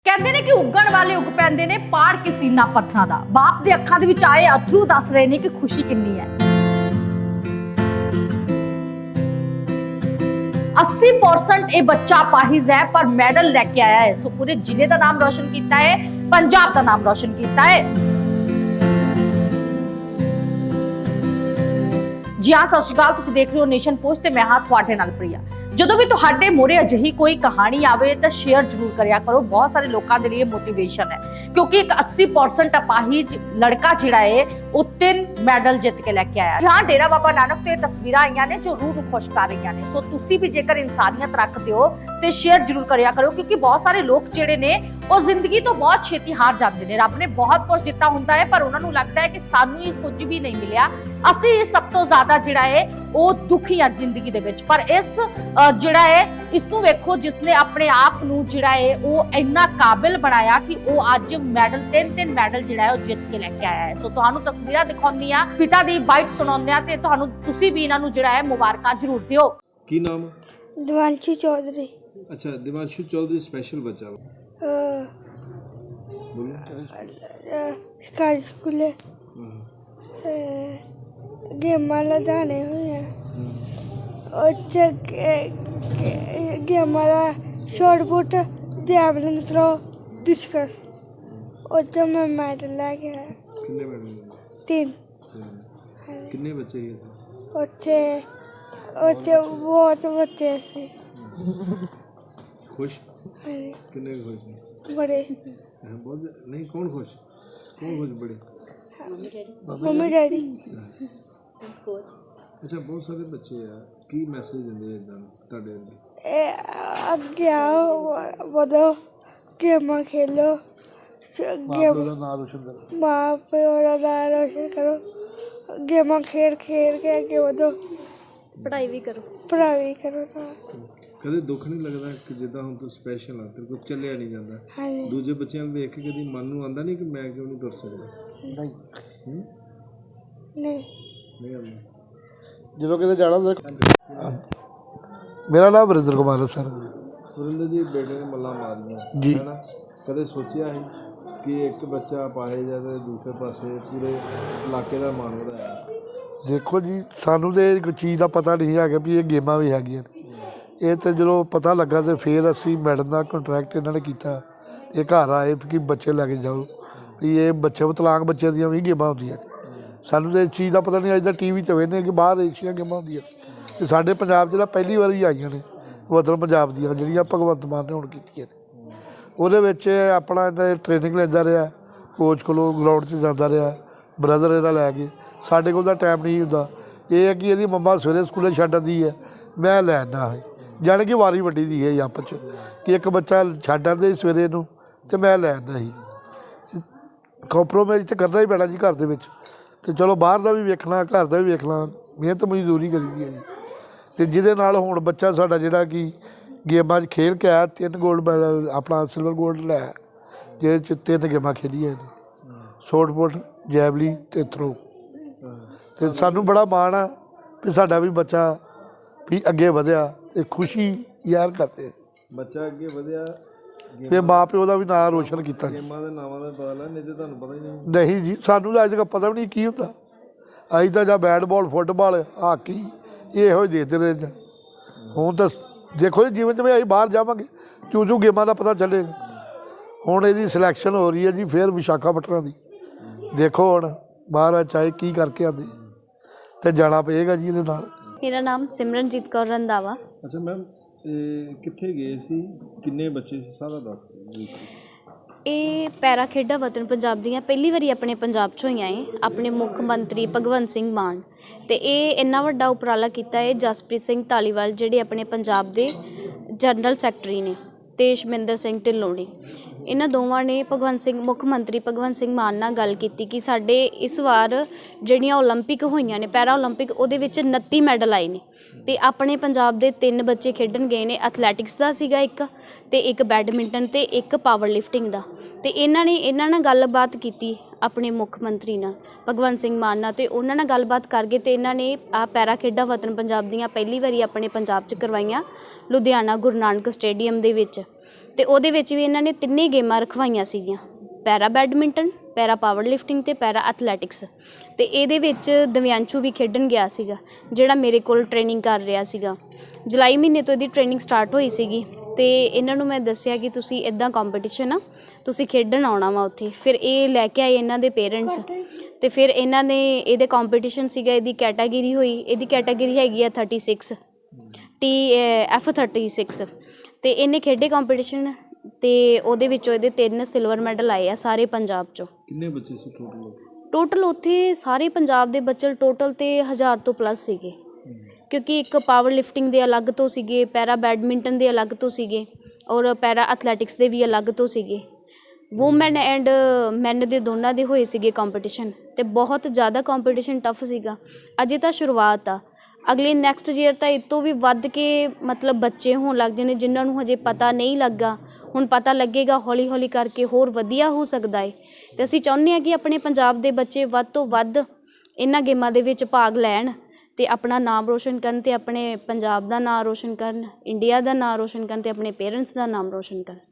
ਕਹਿੰਦੇ ਨੇ ਕਿ ਉੱਗਣ ਵਾਲੇ ਉੱਗ ਪੈਂਦੇ ਨੇ ਪਾੜ ਕੇ ਸੀਨਾ ਪੱਥਰਾਂ ਦਾ। ਬਾਪ ਦੇ ਅੱਖਾਂ ਦੇ ਵਿੱਚ ਆਏ ਅਥਰੂ ਦੱਸ ਰਹੇ ਨੇ ਕਿ ਖੁਸ਼ੀ ਕਿੰਨੀ ਹੈ। 80% ਇਹ ਬੱਚਾ ਪਾਹਿਜ਼ ਹੈ ਪਰ ਮੈਡਲ ਲੈ ਕੇ ਆਇਆ ਹੈ। ਸੋ ਪੂਰੇ ਜ਼ਿਲ੍ਹੇ ਦਾ ਨਾਮ ਰੋਸ਼ਨ ਕੀਤਾ ਹੈ, ਪੰਜਾਬ ਦਾ ਨਾਮ ਰੋਸ਼ਨ ਕੀਤਾ ਹੈ। ਜੀ ਹਾਂ, ਸਤਿ ਸ਼੍ਰੀ ਅਕਾਲ। ਤੁਸੀਂ ਦੇਖ ਰਹੇ ਹੋ ਨੇਸ਼ਨ ਪੋਸਟ ਤੇ ਮੈਂ ਹਾਂ ਤੁਹਾਡੇ ਨਾਲ ਪ੍ਰਿਆ। ਜਦੋਂ ਵੀ ਤੁਹਾਡੇ ਮੋਰੇ ਅਜਿਹੀ ਕੋਈ ਕਹਾਣੀ ਆਵੇ ਤਾਂ ਸ਼ੇਅਰ ਜ਼ਰੂਰ ਕਰਿਆ ਕਰੋ। ਬਹੁਤ ਸਾਰੇ ਲੋਕਾਂ ਦੇ ਲਈ ਮੋਟੀਵੇਸ਼ਨ ਹੈ, ਕਿਉਂਕਿ ਇੱਕ 80% ਅਪਾਹਿਜ ਲੜਕਾ ਜਿਹੜਾ ਹੈ ਉਹ 3 ਮੈਡਲ ਜਿੱਤ ਕੇ ਲੈ ਕੇ ਆਇਆ। ਹਾਂ, ਡੇਰਾ ਬਾਬਾ ਨਾਨਕ ਤੇ ਤਸਵੀਰਾਂ ਆਈਆਂ ਨੇ ਜੋ ਰੂਹ ਨੂੰ ਖੁਸ਼ ਕਰ ਰਹੀਆਂ ਨੇ। ਸੋ ਤੁਸੀਂ ਵੀ ਜੇਕਰ ਇਨਸਾਨੀਅਤ ਰੱਖਦੇ ਹੋ ਤੇ ਸ਼ੇਅਰ ਜ਼ਰੂਰ ਕਰਿਆ ਕਰੋ, ਕਿਉਂਕਿ ਬਹੁਤ ਸਾਰੇ ਲੋਕ ਜਿਹੜੇ ਨੇ ਉਹ ਜ਼ਿੰਦਗੀ ਤੋਂ ਬਹੁਤ ਛੇਤੀ ਹਾਰ ਜਾਂਦੇ ਨੇ। ਰੱਬ ਨੇ ਬਹੁਤ ਕੁਝ ਦਿੱਤਾ ਹੁੰਦਾ ਹੈ ਪਰ ਉਹਨਾਂ ਨੂੰ ਲੱਗਦਾ ਹੈ ਕਿ ਸਾਨੂੰ ਹੀ ਕੁਝ ਵੀ ਨਹੀਂ ਮਿਲਿਆ, ਅਸੀਂ ਸਭ ਤੋਂ ਜ਼ਿਆਦਾ ਜਿਹੜਾ ਹੈ ਉਹ ਦੁਖੀ ਆ ਜ਼ਿੰਦਗੀ ਦੇ ਵਿੱਚ। ਪਰ ਇਸ ਜਿਹੜਾ ਹੈ ਇਸ ਨੂੰ ਵੇਖੋ ਜਿਸਨੇ ਆਪਣੇ ਆਪ ਨੂੰ ਜਿਹੜਾ ਹੈ ਉਹ ਇੰਨਾ ਕਾਬਿਲ ਬਣਾਇਆ ਕਿ ਉਹ ਅੱਜ ਮੈਡਲ 3 ਮੈਡਲ ਜਿਹੜਾ ਹੈ ਉਹ ਜਿੱਤ ਕੇ ਲੈ ਕੇ ਆਇਆ ਹੈ। ਸੋ ਤੁਹਾਨੂੰ ਤਸਵੀਰਾਂ ਦਿਖਾਉਂਦੀ ਆ, ਪਿਤਾ ਦੀ ਬਾਈਟ ਸੁਣਾਉਂਦੇ ਆ ਤੇ ਤੁਹਾਨੂੰ ਤੁਸੀਂ ਵੀ ਇਹਨਾਂ ਨੂੰ ਜਿਹੜਾ ਹੈ ਮੁਬਾਰਕਾਂ ਜ਼ਰੂਰ ਦਿਓ। ਕੀ ਨਾਮ? दिवांशु चौधरी। अच्छा, दिवांशु चौधरी स्पेशल बच्चा बोलो। सरकारी स्कूल गेमां लदाने हुए गेमां शॉर्टपुट जैवलिन थ्रो डिस्कस मैं मेडल लैके आया। कितने मेडल? 3। कितने बच्चे गए थे? ਉੱਥੇ ਬਹੁਤ ਬੱਚੇ ਸੀ। खुश? कितने खुश हैं? बड़े बहुत नहीं। कौन खुश बड़े? Mummy daddy. अच्छा, बहुत सारे बच्चे आ की मैसेज दिंदे इदां ਤੁਹਾਡੇ ਅੱਗੇ ਆਓ, ਵਧੋ, ਗੇਮਾਂ ਖੇਲੋ, ਮਾਂ ਪਿਓ ਦਾ ਨਾਮ ਰੋਸ਼ਨ ਕਰੋ, ਗੇਮਾਂ ਖੇਡ ਕੇ ਅੱਗੇ ਵਧੋ, ਪੜ੍ਹਾਈ ਵੀ ਕਰੋ। ਕਦੇ ਦੁੱਖ ਨਹੀਂ ਲੱਗਦਾ ਕਿ ਜਿੱਦਾਂ ਹੁਣ ਤੂੰ ਸਪੈਸ਼ਲ ਆ, ਤੇਰੇ ਕੋਲ ਚੱਲਿਆ ਨਹੀਂ ਜਾਂਦਾ? ਦੂਜੇ ਬੱਚਿਆਂ ਨੂੰ ਵੇਖ ਕੇ ਕਦੀ ਮਨ ਨੂੰ ਆਉਂਦਾ ਨਹੀਂ ਕਿ ਮੈਂ ਕਿਉਂ ਨਹੀਂ ਤੁਰ ਸਕਦਾ? ਨਹੀਂ ਆਉਂਦਾ। ਜਦੋਂ ਕਿਤੇ ਜਾਣਾ ਹੁੰਦਾ। ਮੇਰਾ ਨਾਮ ਵਰਿੰਦਰ ਕੁਮਾਰ ਹੈ ਸਰ। ਵਰਿੰਦਰ ਜੀ, ਬੇਟੇ ਨੇ ਮੱਲਾਂ ਮਾਰੀਆਂ ਜੀ, ਹੈ ਨਾ? ਕਦੇ ਸੋਚਿਆ ਸੀ ਕਿ ਇੱਕ ਬੱਚਾ ਪਾਏ ਜਾ ਤੇ ਦੂਸਰੇ ਪਾਸੇ ਪੂਰੇ ਇਲਾਕੇ ਦਾ ਮਾਣ ਵਧਾਇਆ? ਦੇਖੋ ਜੀ, ਸਾਨੂੰ ਤਾਂ ਇੱਕ ਚੀਜ਼ ਦਾ ਪਤਾ ਨਹੀਂ ਹੈਗਾ ਵੀ ਇਹ ਗੇਮਾਂ ਵੀ ਹੈਗੀਆਂ ਨੇ। ਇਹ ਤਾਂ ਜਦੋਂ ਪਤਾ ਲੱਗਾ ਤਾਂ ਫਿਰ ਅਸੀਂ ਮੈਡਮ ਦਾ ਕੰਟਰੈਕਟ ਇਹਨਾਂ ਨੇ ਕੀਤਾ। ਇਹ ਘਰ ਆਏ ਕਿ ਬੱਚੇ ਲੈ ਕੇ ਜਾਓ, ਵੀ ਇਹ ਬੱਚੇ ਵਿਕਲਾਂਗ ਬੱਚਿਆਂ ਦੀਆਂ ਵੀ ਗੇਮਾਂ ਹੁੰਦੀਆਂ ਨੇ। ਸਾਨੂੰ ਤਾਂ ਇਸ ਚੀਜ਼ ਦਾ ਪਤਾ ਨਹੀਂ। ਅੱਜ ਦਾ TV 'ਚ ਵੇਖਦੇ ਕਿ ਬਾਹਰ ਏਸ਼ੀਆ ਗੇਮਾਂ ਹੁੰਦੀਆਂ ਅਤੇ ਸਾਡੇ ਪੰਜਾਬ 'ਚ ਤਾਂ ਪਹਿਲੀ ਵਾਰੀ ਆਈਆਂ ਨੇ ਵਤਨ ਪੰਜਾਬ ਦੀਆਂ, ਜਿਹੜੀਆਂ ਭਗਵੰਤ ਮਾਨ ਨੇ ਹੁਣ ਕੀਤੀਆਂ ਨੇ। ਉਹਦੇ ਵਿੱਚ ਆਪਣਾ ਇਹਨਾਂ ਟ੍ਰੇਨਿੰਗ ਲੈਂਦਾ ਰਿਹਾ, ਕੋਚ ਕੋਲੋਂ ਗਰਾਊਂਡ 'ਚ ਜਾਂਦਾ ਰਿਹਾ, ਬ੍ਰਦਰ ਇਹਦਾ ਲੈ ਕੇ। ਸਾਡੇ ਕੋਲ ਤਾਂ ਟਾਈਮ ਨਹੀਂ ਹੁੰਦਾ। ਇਹ ਹੈ ਕਿ ਇਹਦੀ ਮੰਮਾ ਸਵੇਰੇ ਸਕੂਲੇ ਛੱਡ ਆਉਂਦੀ ਹੈ, ਮੈਂ ਲੈ ਆਉਂਦਾ ਹਾਂ। ਜਾਣੀ ਕਿ ਵਾਰੀ ਵੱਡੀ ਦੀ ਹੈ ਆਪਸ 'ਚ ਕਿ ਇੱਕ ਬੱਚਾ ਛੱਡ ਆਉਂਦੇ ਸਵੇਰੇ ਨੂੰ ਅਤੇ ਮੈਂ ਲੈ ਆਉਂਦਾ ਸੀ। ਕੰਪਰੋਮਾਈਜ਼ ਤਾਂ ਕਰਨਾ ਹੀ ਪੈਣਾ ਜੀ ਘਰ ਦੇ ਵਿੱਚ। ਅਤੇ ਚਲੋ ਬਾਹਰ ਦਾ ਵੀ ਵੇਖਣਾ, ਘਰ ਦਾ ਵੀ ਵੇਖਣਾ, ਮਿਹਨਤ ਮਜ਼ਦੂਰੀ ਕਰੀਦੀ ਹੈ ਜੀ। ਅਤੇ ਜਿਹਦੇ ਨਾਲ ਹੁਣ ਬੱਚਾ ਸਾਡਾ ਜਿਹੜਾ ਕਿ ਗੇਮਾਂ 'ਚ ਖੇਲ ਕੇ ਆਇਆ, 3 ਗੋਲਡ ਮੈਡਲ, ਆਪਣਾ ਸਿਲਵਰ ਗੋਲਡ ਲੈ, ਜਿਹਦੇ 'ਚ 3 ਗੇਮਾਂ ਖੇਡੀਆਂ ਨੇ, ਸ਼ਾਰਟਪੁੱਟ, ਜੈਵਲੀ ਅਤੇ ਥਰੋ। ਅਤੇ ਸਾਨੂੰ ਬੜਾ ਮਾਣ ਆ ਵੀ ਸਾਡਾ ਵੀ ਬੱਚਾ ਵੀ ਅੱਗੇ ਵਧਿਆ ਅਤੇ ਖੁਸ਼ੀ ਯਾਰ ਕਰਦੇ ਬੱਚਾ ਅੱਗੇ ਵਧਿਆ ਅਤੇ ਮਾਂ ਪਿਓ ਦਾ ਵੀ ਨਾਂ ਰੋਸ਼ਨ ਕੀਤਾ। ਗੇਮਾਂ ਦੇ ਨਾਵਾਂ ਦਾ ਪਤਾ ਲੱਗਾ, ਨਹੀਂ ਤਾਂ ਤੁਹਾਨੂੰ ਪਤਾ ਹੀ ਨਹੀਂ ਜੀ, ਸਾਨੂੰ ਤਾਂ ਅੱਜ ਤੱਕ ਪਤਾ ਵੀ ਨਹੀਂ ਕੀ ਹੁੰਦਾ। ਅਸੀਂ ਤਾਂ ਜਾਂ ਬੈਟ ਬਾਲ, ਫੁੱਟਬਾਲ, ਹਾਕੀ ਇਹੋ ਜਿਹੇ ਦੇਖਦੇ ਰਹੇ। ਹੁਣ ਤਾਂ ਦੇਖੋ ਜੀ, ਜਿਵੇਂ ਜਿਵੇਂ ਅਸੀਂ ਬਾਹਰ ਜਾਵਾਂਗੇ ਚੂ ਗੇਮਾਂ ਦਾ ਪਤਾ ਚੱਲੇਗਾ। ਹੁਣ ਇਹਦੀ ਸਿਲੈਕਸ਼ਨ ਹੋ ਰਹੀ ਹੈ ਜੀ ਫਿਰ ਵਿਸ਼ਾਖਾਪਟਨਮ ਦੀ। ਦੇਖੋ ਹੁਣ ਮਹਾਰਾਜ ਚਾਹੇ ਕੀ ਕਰਕੇ ਆਉਂਦੇ ਅਤੇ ਜਾਣਾ ਪਏਗਾ ਜੀ ਇਹਦੇ ਨਾਲ। ਮੇਰਾ ਨਾਮ ਸਿਮਰਨਜੀਤ ਕੌਰ ਰੰਧਾਵਾ। ਅੱਛਾ ਮੈਮ, ਕਿੱਥੇ ਗਏ ਸੀ, ਕਿੰਨੇ ਬੱਚੇ ਸੀ, ਸਾਰਾ ਦੱਸ ਦਿਓ। ਇਹ ਪੈਰਾ ਖੇਡਾਂ ਵਤਨ ਪੰਜਾਬ ਦੀਆਂ ਪਹਿਲੀ ਵਾਰੀ ਆਪਣੇ ਪੰਜਾਬ 'ਚ ਹੋਈਆਂ ਏ। ਆਪਣੇ ਮੁੱਖ ਮੰਤਰੀ ਭਗਵੰਤ ਸਿੰਘ ਮਾਨ ਅਤੇ ਇਹ ਇੰਨਾ ਵੱਡਾ ਉਪਰਾਲਾ ਕੀਤਾ ਹੈ ਜਸਪ੍ਰੀਤ ਸਿੰਘ ਧਾਲੀਵਾਲ ਜਿਹੜੇ ਆਪਣੇ ਪੰਜਾਬ ਦੇ ਜਨਰਲ ਸੈਕਟਰੀ ਨੇ, ਅਤੇ ਸ਼ਮਿੰਦਰ ਸਿੰਘ ਢਿੱਲੋਂ ਨੇ। ਇਹਨਾਂ ਦੋਵਾਂ ਨੇ ਮੁੱਖ ਮੰਤਰੀ ਭਗਵੰਤ ਸਿੰਘ ਮਾਨ ਨਾਲ ਗੱਲ ਕੀਤੀ ਕਿ ਸਾਡੇ ਇਸ ਵਾਰ ਜਿਹੜੀਆਂ ਓਲੰਪਿਕ ਹੋਈਆਂ ਨੇ, ਪੈਰਾ ਓਲੰਪਿਕ, ਉਹਦੇ ਵਿੱਚ 29 ਮੈਡਲ ਆਏ ਨੇ ਅਤੇ ਆਪਣੇ ਪੰਜਾਬ ਦੇ 3 ਬੱਚੇ ਖੇਡਣ ਗਏ ਨੇ। ਐਥਲੈਟਿਕਸ ਦਾ ਸੀਗਾ ਇੱਕ, ਅਤੇ ਇੱਕ ਬੈਡਮਿੰਟਨ, ਅਤੇ ਇੱਕ ਪਾਵਰ ਲਿਫਟਿੰਗ ਦਾ। ਅਤੇ ਇਹਨਾਂ ਨਾਲ ਗੱਲਬਾਤ ਕੀਤੀ ਆਪਣੇ ਮੁੱਖ ਮੰਤਰੀ ਨਾਲ, ਭਗਵੰਤ ਸਿੰਘ ਮਾਨ ਨਾਲ, ਅਤੇ ਉਹਨਾਂ ਨਾਲ ਗੱਲਬਾਤ ਕਰਕੇ ਅਤੇ ਇਹਨਾਂ ਨੇ ਆਹ ਪੈਰਾ ਖੇਡਾਂ ਵਤਨ ਪੰਜਾਬ ਦੀਆਂ ਪਹਿਲੀ ਵਾਰੀ ਆਪਣੇ ਪੰਜਾਬ 'ਚ ਕਰਵਾਈਆਂ, ਲੁਧਿਆਣਾ ਗੁਰੂ ਨਾਨਕ ਸਟੇਡੀਅਮ ਦੇ ਵਿੱਚ। ਤੇ ਉਹਦੇ ਵਿੱਚ ਵੀ ਇਹਨਾਂ ਨੇ ਤਿੰਨੇ ਗੇਮਾਂ ਰਖਵਾਈਆਂ ਸੀਗੀਆਂ, para badminton, para power lifting ਤੇ ਪੈਰਾ ਐਥਲੈਟਿਕਸ। ਤੇ ਇਹਦੇ ਵਿੱਚ ਦਿਵਿਆਂਸ਼ੂ ਵੀ ਖੇਡਣ ਗਿਆ ਸੀਗਾ, ਜਿਹੜਾ ਮੇਰੇ ਕੋਲ ਟ੍ਰੇਨਿੰਗ ਕਰ ਰਿਹਾ ਸੀਗਾ। ਜੁਲਾਈ ਮਹੀਨੇ ਤੋਂ ਇਹਦੀ ਟ੍ਰੇਨਿੰਗ ਸਟਾਰਟ ਹੋਈ ਸੀਗੀ ਤੇ ਇਹਨਾਂ ਨੂੰ ਮੈਂ ਦੱਸਿਆ ਕਿ ਤੁਸੀਂ ਇੱਦਾਂ ਕੰਪੀਟੀਸ਼ਨ ਆ, ਤੁਸੀਂ ਖੇਡਣ ਆਉਣਾ ਵਾ ਉੱਥੇ। ਫਿਰ ਇਹ ਲੈ ਕੇ ਆਏ ਇਹਨਾਂ ਦੇ ਪੇਰੈਂਟਸ ਤੇ ਫਿਰ ਇਹਨਾਂ ਨੇ ਇਹਦੇ ਕੰਪੀਟੀਸ਼ਨ ਸੀਗਾ, ਇਹਦੀ ਕੈਟਾਗਰੀ ਹੋਈ, ਇਹਦੀ ਕੈਟਾਗਰੀ ਹੈਗੀ ਆ 36 F36 ਤੇ ਇਹਨੇ ਖੇਡੇ ਕੰਪੀਟੀਸ਼ਨ ਤੇ ਉਹਦੇ ਵਿੱਚੋਂ ਇਹਦੇ 3 ਸਿਲਵਰ ਮੈਡਲ ਆਏ ਆ ਸਾਰੇ ਪੰਜਾਬ ਚੋਂ। ਕਿੰਨੇ ਬੱਚੇ ਸੀ ਟੋਟਲ? ਟੋਟਲ ਉੱਥੇ ਸਾਰੇ ਪੰਜਾਬ ਦੇ ਬੱਚੇ ਟੋਟਲ ਤੇ 1000 ਤੋਂ ਪਲੱਸ ਸੀਗੇ, ਕਿਉਂਕਿ ਇੱਕ ਪਾਵਰ ਲਿਫਟਿੰਗ ਦੇ ਅਲੱਗ ਤੋਂ ਸੀਗੇ, ਪੈਰਾ ਬੈਡਮਿੰਟਨ ਦੇ ਅਲੱਗ ਤੋਂ ਸੀਗੇ ਔਰ ਪੈਰਾ ਐਥਲੈਟਿਕਸ ਦੇ ਵੀ ਅਲੱਗ ਤੋਂ ਸੀਗੇ। ਵੂਮੈਨ ਐਂਡ ਮੈਨ ਦੇ ਦੋਨਾਂ ਦੇ ਹੋਏ ਸੀਗੇ ਕੰਪੀਟੀਸ਼ਨ ਤੇ ਬਹੁਤ ਜ਼ਿਆਦਾ ਕੰਪੀਟੀਸ਼ਨ ਟਫ ਸੀਗਾ। ਅਜੇ ਤਾਂ ਸ਼ੁਰੂਆਤ ਆ, ਅਗਲੇ ਨੈਕਸਟ ਈਅਰ ਤਾਂ ਇਹ ਤੋਂ ਵੀ ਵੱਧ ਕੇ ਮਤਲਬ ਬੱਚੇ ਹੋਣ ਲੱਗ ਜਾਣੇ ਜਿਨ੍ਹਾਂ ਨੂੰ ਹਜੇ ਪਤਾ ਨਹੀਂ ਲੱਗਾ, ਹੁਣ ਪਤਾ ਲੱਗੇਗਾ, ਹੌਲੀ ਹੌਲੀ ਕਰਕੇ ਹੋਰ ਵਧੀਆ ਹੋ ਸਕਦਾ ਹੈ। ਤੇ ਅਸੀਂ ਚਾਹੁੰਦੇ ਹਾਂ ਕਿ ਆਪਣੇ ਪੰਜਾਬ ਦੇ ਬੱਚੇ ਵੱਧ ਤੋਂ ਵੱਧ ਇਹਨਾਂ ਗੇਮਾਂ ਦੇ ਵਿੱਚ ਭਾਗ ਲੈਣ ਤੇ ਆਪਣਾ ਨਾਮ ਰੋਸ਼ਨ ਕਰਨ ਤੇ ਆਪਣੇ ਪੰਜਾਬ ਦਾ ਨਾਮ ਰੋਸ਼ਨ ਕਰਨ, ਇੰਡੀਆ ਦਾ ਨਾਮ ਰੋਸ਼ਨ ਕਰਨ ਤੇ ਆਪਣੇ ਪੇਰੈਂਟਸ ਦਾ ਨਾਮ ਰੋਸ਼ਨ ਕਰਨ।